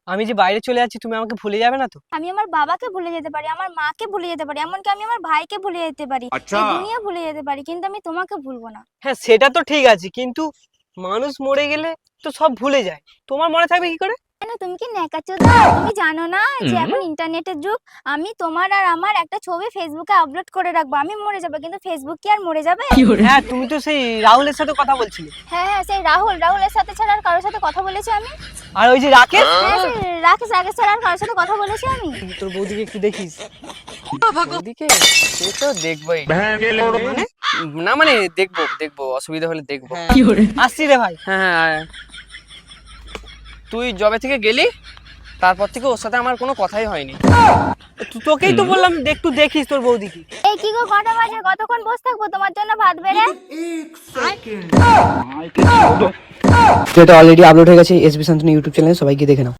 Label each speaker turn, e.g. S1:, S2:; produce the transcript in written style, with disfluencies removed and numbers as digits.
S1: আমি যে বাইরে চলে যাচ্ছি তুমি আমাকে ভুলে যাবে না তো?
S2: আমি আমার বাবাকে ভুলে যেতে পারি, আমার মাকে ভুলে যেতে পারি, এমনকি আমি আমার ভাইকে ভুলে যেতে পারি, এই দুনিয়া ভুলে যেতে পারি, কিন্তু আমি তোমাকে ভুলবো না।
S1: হ্যাঁ সেটা তো ঠিক আছে, কিন্তু মানুষ মরে গেলে তো সব ভুলে যায়, তোমার মনে থাকবে কি করে?
S2: কেন, তুমি কি ন্যাকাচোদা? তুমি জানো না যে এখন ইন্টারনেটের যুগ? আমি তোমার আর আমার একটা ছবি ফেসবুকে আপলোড করে রাখবো, আমি মরে যাবো, কিন্তু ফেসবুক কি আর মরে যাবে?
S1: হ্যাঁ তুমি তো সেই রাহুলের সাথে কথা বলছিলে।
S2: হ্যাঁ হ্যাঁ, সেই রাহুলের সাথে ছাড়া আর কারোর সাথে কথা বলেছি আমি?
S1: আর ওই যে রাকেশ,
S2: হ্যাঁ, সেই রাকেশ ছাড়া আর কারোর সাথে কথা বলেছি আমি?
S1: তোর বৌদিকে একটু দেখিস। বৌদিকে সে তো দেখবোই, মানে না মানে দেখবো অসুবিধা হলে দেখবো। আসছি রে ভাই। হ্যাঁ হ্যাঁ, তুই জবে থেকে গেলি তারপর থেকে ওর সাথে আমার কোনো কথাই হয়নি। তোকেই তো বললাম একটু দেখিস তোর বৌদিকে।
S2: এই কি গো, কটা বাজে? কতক্ষণ বসে থাকবো তোমার জন্য ভাত বেড়ে?
S3: তো এটা অলরেডি আপলোড হয়ে গেছে এসবি শান্তনু ইউটিউব চ্যানেলে, সবাই গিয়ে দেখে নাও।